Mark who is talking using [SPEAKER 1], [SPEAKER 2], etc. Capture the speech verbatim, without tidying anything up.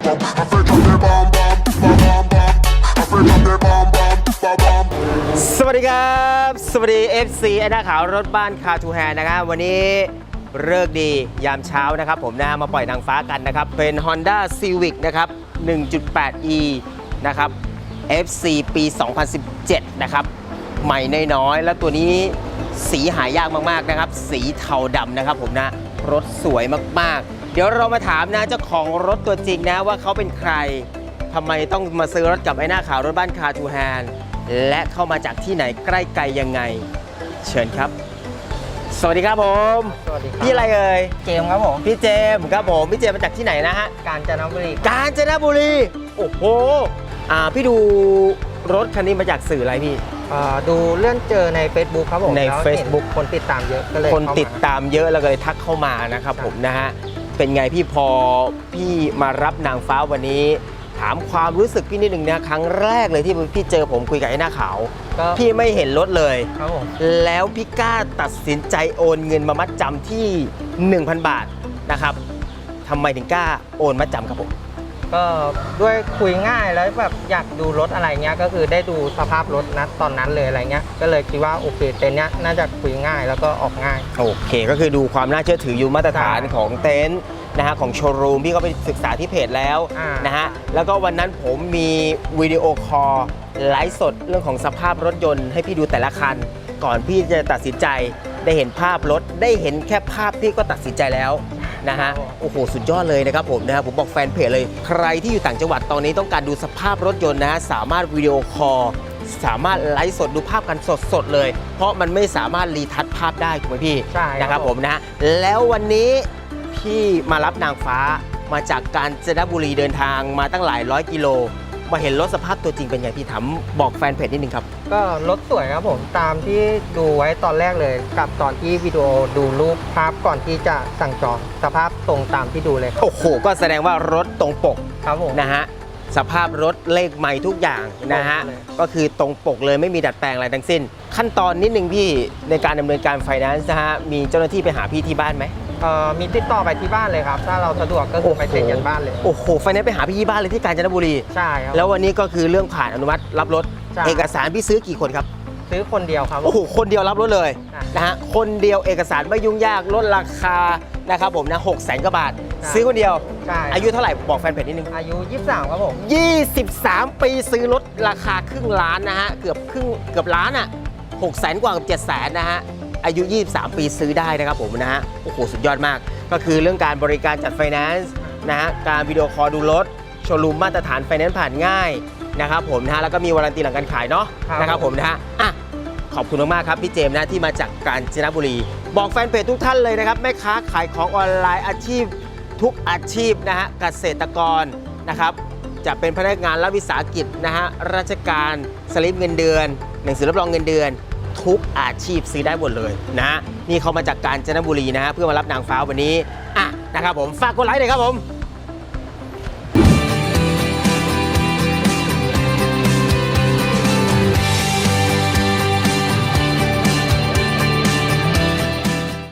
[SPEAKER 1] bum. I feel drop the bomb bomb, bomb bomb bomb. I feel drop the bomb bomb, bomb bomb.
[SPEAKER 2] สวัสดีครับสวัสดี เอฟ ซี ไอ้หน้าขาวรถบ้านคาทูแฮร์นะครับวันนี้เลิกดียามเช้านะครับผมนะมาปล่อยนางฟ้ากันนะครับเป็น Honda Civic นะครับ หนึ่งจุดแปด อี นะครับ เอฟ ซี ปี สองพันสิบเจ็ด นะครับใหม่น้อยๆแล้วตัวนี้สีหายากมากๆนะครับสีเทาดำนะครับผมนะรถสวยมากๆเดี๋ยวเรามาถามนะเจ้าของรถตัวจริงนะว่าเขาเป็นใครทำไมต้องมาซื้อรถกับไอ้หน้าขาวรถบ้านคาทูแฮร์และเข้ามาจากที่ไหนใกล้ไกลยังไงเชิญครับสวัสดีครับผม
[SPEAKER 3] สวัสดีครับ
[SPEAKER 2] พี่อะไรเอ่ย
[SPEAKER 3] เกมครับผม
[SPEAKER 2] พี่เจมส์ครับผมพี่เจมส์มาจากที่ไหนนะฮะ
[SPEAKER 3] กาญจนบุรี
[SPEAKER 2] กาญจนบุรีโอ้โหอ่าพี่ดูรถคันนี้มาจากสื่ออะไรพี่
[SPEAKER 3] เอ่อดูเลื่อนเจอใน Facebook ครับผม
[SPEAKER 2] ใน
[SPEAKER 3] แล้ว
[SPEAKER 2] Facebook
[SPEAKER 3] เห็นคนติดตามเยอะก็เลย
[SPEAKER 2] คน
[SPEAKER 3] เข้ามา
[SPEAKER 2] ติดตามเยอะแล้วก็เลยทักเข้ามานะครับผมนะฮะเป็นไงพี่พอพี่มารับนางฟ้าวันนี้ ถามความรู้สึกพี่นิดหนึ่งนะครั้งแรกเลยที่พี่เจอผมคุยกับไอ้หน้าขาว
[SPEAKER 3] ก็
[SPEAKER 2] พี่ไม่เห็นรถเลย
[SPEAKER 3] ครับผม
[SPEAKER 2] แล้วพี่กล้าตัดสินใจโอนเงินมามัดจำที่ หนึ่งพัน บาทนะครับทำไมถึงกล้าโอนมัดจำครับผม
[SPEAKER 3] ก็ด้วยคุยง่ายแล้วแบบอยากดูรถอะไรเงี้ยก็คือได้ดูสภาพรถนะตอนนั้นเลยอะไรเงี้ยก็เลยคิดว่าโอเคเต็นท์เนี้ยน่าจะคุยง่ายแล้วก็ออกง่าย
[SPEAKER 2] โอเคก็คือดูความน่าเชื่อถืออยู่มาตรฐาน
[SPEAKER 3] ใช่
[SPEAKER 2] ของเต็นท์นะฮะของโชว์รูมพี่ก็ไปศึกษาที่เพจแล้ว
[SPEAKER 3] อ่าน
[SPEAKER 2] นะฮะแล้วก็วันนั้นผมมีวิดีโอคอลไลฟ์สดเรื่องของสภาพรถยนต์ให้พี่ดูแต่ละคัน ก่อนพี่จะตัดสินใจได้เห็นภาพรถได้เห็นแค่ภาพพี่ก็ตัดสินใจแล้วนะฮะโอ้โหสุดยอดเลยนะครับผมนะฮะผมบอกแฟนเพจเลยใครที่อยู่ต่างจังหวัดตอนนี้ต้องการดูสภาพรถยนต์นะฮะสามารถวิดีโอคอลสามารถไลฟ์สดดูภาพกันสดๆเลย เพราะมันไม่สามารถรีทัชภาพได้ถูกไหมพี่
[SPEAKER 3] ใช่ครับ
[SPEAKER 2] นะครับผมนะฮะแล้ววันนี้พี่มารับนางฟ้ามาจากกาญจนบุรีเดินทางมาตั้งหลายร้อยกิโลมาเห็นรถสภาพตัวจริงเป็นไงพี่ถามบอกแฟนเพจนิดนึงครับ
[SPEAKER 3] ก็รถสวยครับผมตามที่ดูไว้ตอนแรกเลย กับตอนที่วิดีโอดูรูปภาพก่อนที่จะสั่งจองสภาพตรงตามที่ดูเลยครับ
[SPEAKER 2] โอ้โหก็แสดงว่ารถตรงปก
[SPEAKER 3] ครับผม
[SPEAKER 2] นะฮะสภาพรถเลขใหม่ทุกอย่างนะฮะ
[SPEAKER 3] ตรงเลย
[SPEAKER 2] ก็คือตรงปกเลยไม่มีดัดแปลงอะไรทั้งสิ้น ขั้นตอนนิดนึงพี่ในการดำเนินการไฟแนนซ์นะฮะมีเจ้าหน้าที่ไปหาพี่ที่บ้านไหม
[SPEAKER 3] เอ่อมีติดต่อไปที่บ้านเลยครับ ถ้าเราสะดวกก็คือไปเซ็นกันบ้านเลย
[SPEAKER 2] โอ้โหไฟแนนซ์ไปหาพี่ที่บ้านเลยที่กาญจนบุรี
[SPEAKER 3] ใช่ครับ
[SPEAKER 2] แล้ววันนี้ก็คือเรื่องผ่านอนุมัติรับรถ
[SPEAKER 3] ใช่
[SPEAKER 2] เอกสารพี่ซื้อกี่คนครับ
[SPEAKER 3] ซื้อคนเดียวครับผม
[SPEAKER 2] โอ้โหคนเดียวรับรถเลย
[SPEAKER 3] ใช่
[SPEAKER 2] นะฮะคนเดียวเอกสารไม่ยุ่งยากลดราคานะครับผมนะหกแสนกว่าบาท
[SPEAKER 3] ใช่
[SPEAKER 2] ซื้อคนเดียว
[SPEAKER 3] ใช่
[SPEAKER 2] อายุเท่าไหร่บอกแฟนเพจนิดนึง
[SPEAKER 3] อายุยี่สิบสามครับผม
[SPEAKER 2] ยี่สิบสาม ปีซื้อรถราคาครึ่งล้านนะฮะเกือบครึ่งเกือบล้านอ่ะหกแสนกว่ากับเจ็ดแสนนะฮะอายุยี่สิบสาม ปีซื้อได้นะครับผมนะฮะโอ้โหสุดยอดมาก ก็คือเรื่องการบริการจัดไฟแนนซ์นะฮะการวิดีโอคอลดูรถโชว์รูมมาตรฐานไฟแนนซ์ผ่านง่ายนะครับผมนะฮะแล้วก็มีวารันตีหลังการขายเนาะ
[SPEAKER 3] ครับ
[SPEAKER 2] นะครับผมนะฮะอ่ะขอบคุณมากๆครับพี่เจมส์นะที่มาจากกาญจนบุรี บอกแฟนเพจทุกท่านเลยนะครับแม่ค้าขายของออนไลน์อาชีพทุกอาชีพนะฮะเกษตรกรนะครับจะเป็นพนักงานรัฐวิสาหกิจนะฮะราชการสลิปเงินเดือน หนังสือรับรองเงินเดือน ทุกอาชีพซื้อได้หมดเลยนะฮะนี่เขามาจากกาญจนบุรีนะฮะเพื่อมารับนางฟ้าวันนี้อ่ะนะครับผมฝากกดไลค์หน่อยครับผม